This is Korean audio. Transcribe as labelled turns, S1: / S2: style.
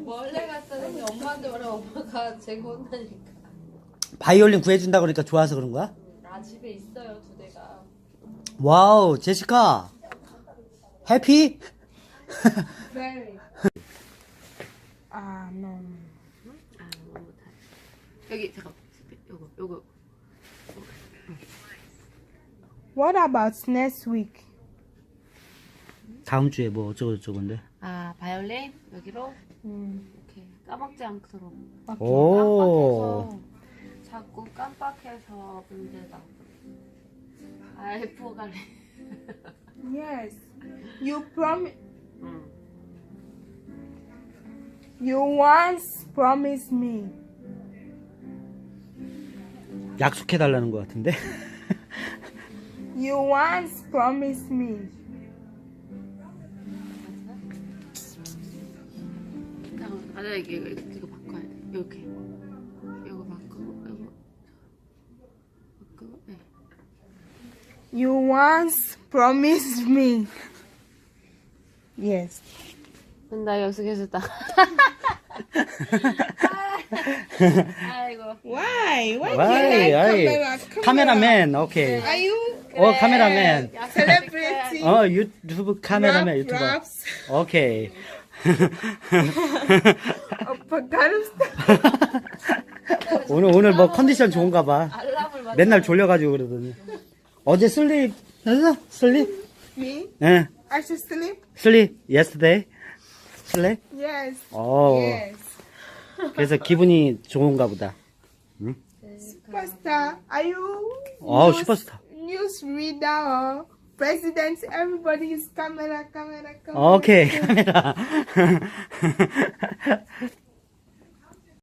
S1: 원래 갔다는데 엄마한테 말하면 엄마가 제가 혼나니까.
S2: 바이올린 구해준다 그러니까 좋아서 그런 거야?
S1: 나 집에 있어요, 2대가.
S2: 와우, 제시카. 해피?
S3: Very. No.
S1: 여기 잠깐. 요거.
S3: What about next week?
S2: 다음 주에 뭐 어쩌고저쩌고인데.
S1: 아, 바이올린 여기로 이렇게 까먹지 않도록.
S2: 오.
S1: 깜빡해서 자꾸 깜빡해서 문제다. 알포 갈래.
S3: Yes. You promise.
S1: 응.
S3: You once promised me.
S2: 약속해달라는 것 같은데.
S3: You once promised me.
S1: 맞아, 이거 바꿔야 돼. 이렇게. 이거 바꾸고, 네.
S3: You once promised me. Yes.
S1: 나 약속했었다. 아이고.
S3: Why? Why
S2: 와이, 와이. 카메라맨, 오케이.
S3: Are you
S2: 카메라맨.
S3: celebrity?
S2: 유튜브 카메라맨, 유튜버.
S3: Raps?
S2: 오케이. 오늘 뭐 컨디션 좋은가 봐.
S1: 알람을 맞춰.
S2: 맨날 졸려가지고 그러더니. 어제 슬립, 했어? 슬립?
S3: Me?
S2: 예.
S3: I should sleep?
S2: 슬립, yesterday? 슬립?
S3: Yes.
S2: 오.
S3: Yes.
S2: 그래서 기분이 좋은가 보다.
S3: Superstar, are you
S2: Oh, superstar.
S3: news reader or president? Everybody is camera.
S2: 오케이, 카메라.